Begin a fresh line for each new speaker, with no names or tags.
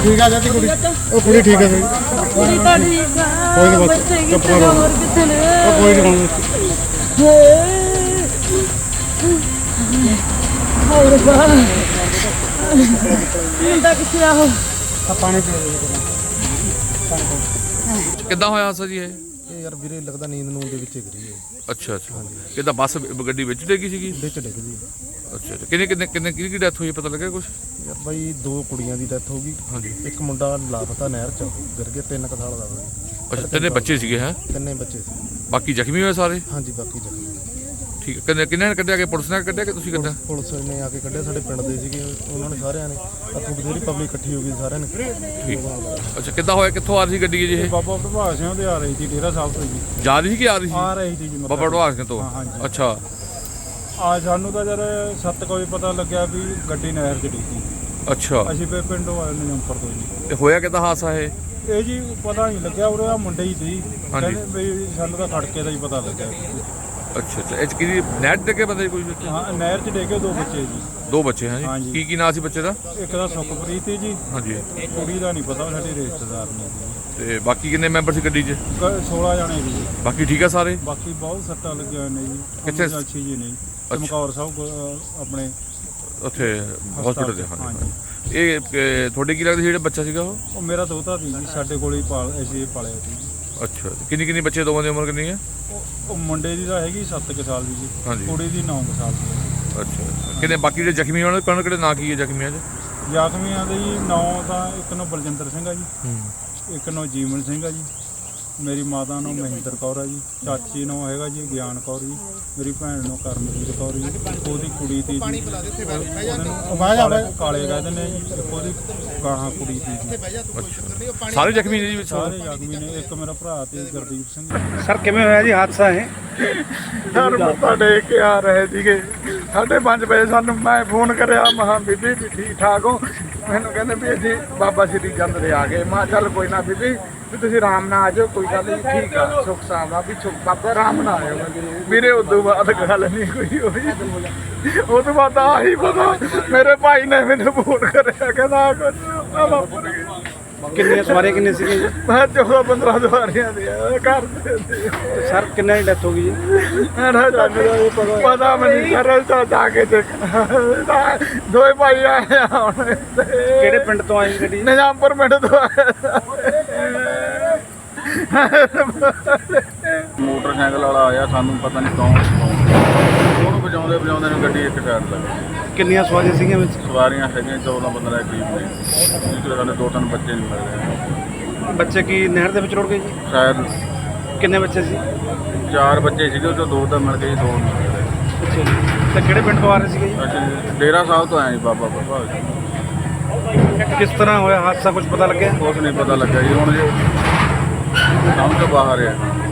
ठीक है जाती कुड़ी ओ कुड़ी ठीक है सही
ਕੁੜੀ ਤਾਂ ਠੀਕ ਆ
ਕੋਈ ਨੀ ਬਸ,
ਬੱਚੇ
ਚੁੱਪ
ਕਿੱਥੇ
ਕਰੋ।
ਹੋਰ ਕਿੱਥੇ ਨੇ
ओ कोई नहीं
ਹੋਰ ਬਾ ਮੁੰਡਾ ਕਿੱਥੇ ਆ ਉਹ
पानी पी
ਕਿੱਦਾਂ ਹੋਇਆ ਹਾਦਸਾ ਜੀ ਇਹ?
ਇਹ ਯਾਰ ਵੀਰੇ ਲੱਗਦਾ ਨੀਂਦ ਨੂੰ ਦੇ ਵਿੱਚ ਗਿਰੀ ਹੈ
ਅੱਛਾ ਅੱਛਾ ਕਿੱਦਾਂ ਬੱਸ ਗੱਡੀ ਵਿੱਚ ਡਿੱਗੀ ਸੀਗੀ?
ਵਿੱਚ ਡਿੱਗ ਗਈ
ਅੱਛਾ ਅੱਛਾ ਕਿੰਨੇ ਕੀ ਡੈਥ ਹੋਈ ਪਤਾ ਲੱਗਿਆ ਕੁਝ?
ਯਾਰ ਬਾਈ ਦੋ ਕੁੜੀਆਂ ਦੀ ਡੈਥ ਹੋ ਗਈ
ਹਾਂਜੀ
ਇੱਕ ਮੁੰਡਾ ਲਾਪਤਾ ਨਹਿਰ ਚ ਗਿਰ ਗਿਆ 3 ਸਾਲ ਦਾ ਵਾ
ਅੱਛਾ ਤਿੰਨੇ ਬੱਚੇ ਸੀਗੇ ਹੈ?
ਤਿੰਨੇ ਬੱਚੇ ਸੀ
ਬਾਕੀ ਜ਼ਖਮੀ ਹੋਏ ਸਾਰੇ?
ਹਾਂਜੀ ਬਾਕੀ ਜ਼ਖਮੀ
ਠੀਕ ਹੈ ਕਿੰਨੇ ਨੇ ਕੱਢਿਆ ਕਿ ਪੁਲਿਸ ਨੇ ਕੱਢਿਆ ਕਿ ਤੁਸੀਂ ਕੱਢਿਆ?
ਪੁਲਿਸ ਨੇ ਆ ਕੇ ਕੱਢਿਆ ਸਾਡੇ ਪਿੰਡ ਦੇ ਸੀਗੇ ਉਹਨਾਂ ਨੇ ਸਾਰਿਆਂ ਨੇ ਅੱਥੋਂ ਬਥੇਰੀ ਪਬਲਿਕ ਇਕੱਠੀ ਹੋ ਗਈ ਸਾਰਿਆਂ ਨੇ
ਠੀਕ ਅੱਛਾ ਕਿੱਦਾਂ ਹੋਇਆ ਕਿੱਥੋਂ ਆ ਰਹੀ ਸੀ ਗੱਡੀ ਜੀ ਇਹ?
ਬਾਬਾ ਪ੍ਰਭਾਤ ਸਿੰਘ ਦੇ ਆ ਰਹੀ ਸੀ ਡੇਰਾ ਸਾਹਿਬ ਤੋਂ ਜੀ
ਜਾ ਰਹੀ ਸੀ ਕਿ ਆ ਰਹੀ ਸੀ?
ਆ ਰਹੀ ਸੀ ਜੀ ਮਤਲਬ
ਬਾਬਾ ਢਵਾਕ ਸਿੰਘ ਤੋਂ?
ਹਾਂ, ਹਾਂਜੀ।
ਅੱਛਾ
ਆ ਸਾਨੂੰ ਤਾਂ ਜਦ 7 ਵਜੇ ਪਤਾ ਲੱਗਿਆ ਵੀ ਗੱਡੀ ਨਹਿਰ 'ਚ ਡਿੱਗੀ
ਅੱਛਾ
ਅਸੀਂ ਫਿਰ ਪਿੰਡੋਂ ਆਏ ਨੇ ਜੰਪਰ ਤੋਂ ਜੀ
ਤੇ ਹੋਇਆ ਕਿੱਦਾਂ ਹਾਦਸਾ ਇਹ?
ਇਹ ਜੀ ਪਤਾ ਨਹੀਂ ਲੱਗਿਆ ਉਰੇ ਆ ਮੁੰਡੇ ਹੀ ਸੀ
ਹਾਂਜੀ।
ਕਹਿੰਦੇ ਵੀ ਸਾਨੂੰ ਤਾਂ ਖੜਕੇ ਦਾ ਹੀ ਪਤਾ ਲੱਗਿਆ
ਅੱਛਾ ਅੱਛਾ ਇਹ 'ਚ ਕਿਹਦੀ ਨੈਟ ਦੇ ਕੇ ਬੰਦੇ ਕੋਈ ਵਿੱਚ?
ਹਾਂ ਨਹਿਰ 'ਚ ਡਿੱਗੇ ਦੋ ਬੱਚੇ ਜੀ
ਦੋ ਬੱਚੇ ਹੈ ਜੀ
ਹਾਂਜੀ।
ਕੀ ਨਾਂ ਸੀ ਬੱਚੇ ਦਾ?
ਇੱਕ ਦਾ ਸੁਖਪ੍ਰੀਤ ਸੀ ਜੀ
ਹਾਂਜੀ
ਕੁੜੀ ਦਾ ਨਹੀਂ ਪਤਾ ਸਾਡੇ ਰਿਸ਼ਤੇਦਾਰ ਨੇ ਜੀ
ਤੇ ਬਾਕੀ ਕਿੰਨੇ ਮੈਂਬਰ ਸੀ ਗੱਡੀ 'ਚ?
16 ਜਣੇ ਜੀ
ਬਾਕੀ ਠੀਕ ਆ ਸਾਰੇ?
ਬਾਕੀ ਬਹੁਤ ਸੱਟਾਂ ਲੱਗੀਆਂ ਹੋਈਆਂ ਨੇ ਜੀ
ਕਿੱਥੇ?
ਅੱਛੀ ਜੀ ਨੇ ਚਮਕੌਰ ਸਾਹਿਬ ਆਪਣੇ
ਉੱਥੇ ਹਸਪੀਟਲ ਦੇ? ਹਾਂਜੀ
ਹਾਂਜੀ
ਇਹ ਤੁਹਾਡੇ ਕੀ ਲੱਗਦਾ ਸੀ ਜਿਹੜਾ ਬੱਚਾ ਸੀਗਾ ਉਹ?
ਉਹ ਮੇਰਾ ਦੋਤਾ ਸੀ ਜੀ ਸਾਡੇ ਕੋਲ ਹੀ ਅਸੀਂ ਪਾਲਿਆ ਸੀ
ਅੱਛਾ ਕਿੰਨੀ ਬੱਚੇ ਦੋਵਾਂ ਦੀ ਉਮਰ ਕਿੰਨੀ ਹੈ?
ਉਹ ਮੁੰਡੇ ਦੀ ਤਾਂ ਹੈਗੀ 7 ਸਾਲ ਦੀ ਜੀ
ਹਾਂਜੀ।
ਕੁੜੀ ਦੀ 9 ਸਾਲ ਦੀ
ਅੱਛਾ ਕਿੰਨੇ ਬਾਕੀ ਜਿਹੜੇ ਜ਼ਖਮੀ ਹੋਣ ਉਹਨਾਂ ਕਿਹੜੇ ਨਾਂ ਕੀ ਹੈ ਜ਼ਖਮੀਆਂ 'ਚ?
ਜ਼ਖਮੀਆਂ ਦੇ ਜੀ 9 ਤਾਂ ਇੱਕ ਨੂੰ ਬਲਜਿੰਦਰ ਸਿੰਘ ਆ ਜੀ ਇੱਕ ਨੂੰ ਜੀਵਨ ਸਿੰਘ ਆ ਜੀ ਮੇਰੀ ਮਾਤਾ ਨੂੰ ਮਹਿੰਦਰ ਕੌਰ ਆ ਜੀ ਚਾਚੀ ਨੂੰ ਹੈਗਾ ਜੀ ਗਿਆਨ ਕੌਰ ਜੀ ਮੇਰੀ ਭੈਣ ਨੂੰ ਕਰਮਜੀਤ ਕੌਰ ਜੀ ਉਹਦੀ ਕੁੜੀ ਤੀ ਜੀ ਕਾਲੇ ਕਹਿੰਦੇ ਨੇ ਜੀ ਇੱਕ ਉਹਦੀ ਗਾਹਾਂ ਕੁੜੀ ਤੀ ਜੀ
ਅੱਛਾ ਸਾਰੇ ਜ਼ਖਮੀ ਨੇ ਜੀ ਵਿੱਚ?
ਸਾਰੇ ਜ਼ਖਮੀ ਨੇ ਇੱਕ ਮੇਰਾ ਭਰਾ ਤੇ ਗੁਰਦੀਪ ਸਿੰਘ
ਸਰ ਕਿਵੇਂ ਹੋਇਆ ਜੀ ਹਾਦਸਾ ਇਹ?
ਸਰ ਮੱਥਾ ਟੇਕ ਕੇ ਆ ਰਹੇ ਸੀਗੇ 5:30 ਵਜੇ ਸਾਨੂੰ ਮੈਂ ਫੋਨ ਕਰਿਆ ਮਹਾਂ ਬੀਬੀ ਵੀ ਠੀਕ ਠਾਕ ਹੋ ਮੈਨੂੰ ਕਹਿੰਦੇ ਵੀ ਅਸੀਂ ਬਾਬਾ ਸ਼੍ਰੀ ਚੰਦ ਦੇ ਆ ਗਏ ਮੈਂ ਚੱਲ ਕੋਈ ਨਾ ਬੀਬੀ ਵੀ ਤੁਸੀਂ ਆਰਾਮ ਨਾਲ ਆ ਜਾਓ ਕੋਈ ਗੱਲ ਨਹੀਂ ਠੀਕ ਆ ਸੁੱਖ ਸਾਵਾ ਵੀ ਬਾਬਾ ਆਰਾਮ ਨਾਲ ਆਇਓ ਵੀਰੇ ਉਦੋਂ ਬਾਅਦ ਗੱਲ ਨਹੀਂ ਕੋਈ ਹੋਈ ਉਹ ਤੋਂ ਬਾਅਦ ਆਹੀ ਪਤਾ ਮੇਰੇ ਭਾਈ ਨੇ ਮੈਨੂੰ ਫੋਨ ਕਰਿਆ ਕਹਿੰਦਾ ਕੁਝ ਆ ਵਾਪਰ ਗਿਆ
ਕਿੰਨੀਆਂ ਸਵਾਰੀਆਂ ਕਿੰਨੇ ਸੀਗੇ ਜੀ?
ਮੈਂ 14-15 ਸਵਾਰੀਆਂ ਦੀ ਘਰ ਦੇ
ਸਰ ਕਿੰਨਾ ਦੀ ਡੈਥ ਹੋ ਗਈ ਜੀ?
ਪਤਾ ਮੈਨੂੰ ਸਰਲ ਤਾਂ ਜਾ ਕੇ ਦੇਖਣਾ ਦੋਏ ਭਾਈ ਆਏ ਆ ਹੁਣ
ਕਿਹੜੇ ਪਿੰਡ ਤੋਂ ਆਈ ਗੱਡੀ?
ਨਿਜ਼ਾਮਪੁਰ ਪਿੰਡ ਤੋਂ ਆਏ ਮੋਟਰਸਾਈਕਲ ਵਾਲਾ ਆਇਆ ਸਾਨੂੰ ਪਤਾ ਨਹੀਂ ਕੌਣ ਉਹਨੂੰ ਵਜਾਉਂਦੇ ਨੂੰ ਗੱਡੀ ਇੱਕ ਸਾਈਡ ਲੱਗੀ
ਕਿੰਨੀਆਂ ਸਵਾਰੀਆਂ ਸੀਗੀਆਂ ਵਿੱਚ?
ਸਵਾਰੀਆਂ ਹੈਗੀਆਂ 14-15 ਕਰੀਬ ਨੇ ਜਿਹੜੇ ਸਾਡੇ 2-3 ਬੱਚੇ ਨਹੀਂ ਮਿਲ ਰਹੇ
ਬੱਚੇ ਕੀ ਨਹਿਰ ਦੇ ਵਿੱਚ ਰੁੜ ਗਏ ਜੀ?
ਸ਼ਾਇਦ
ਕਿੰਨੇ ਬੱਚੇ ਸੀ?
4 ਬੱਚੇ ਸੀਗੇ ਉਹ 'ਚੋਂ 2 ਤਾਂ ਮਿਲ ਗਏ 2 ਨਹੀਂ ਮਿਲ ਰਹੇ
ਅੱਛਾ ਜੀ ਤੇ ਕਿਹੜੇ ਪਿੰਡ ਤੋਂ ਆ ਰਹੇ ਸੀਗੇ ਜੀ?
ਅਸੀਂ ਡੇਰਾ ਸਾਹਿਬ ਤੋਂ ਆਏ ਜੀ ਬਾਬਾ
ਕਿਸ ਤਰ੍ਹਾਂ ਹੋਇਆ ਹਾਦਸਾ ਕੁਝ ਪਤਾ ਲੱਗਿਆ?
ਕੁਛ ਨਹੀਂ ਪਤਾ ਲੱਗਾ ਜੀ ਹੁਣ ਜੀ ਸਮਝ ਤੋਂ ਬਾਹਰ ਆ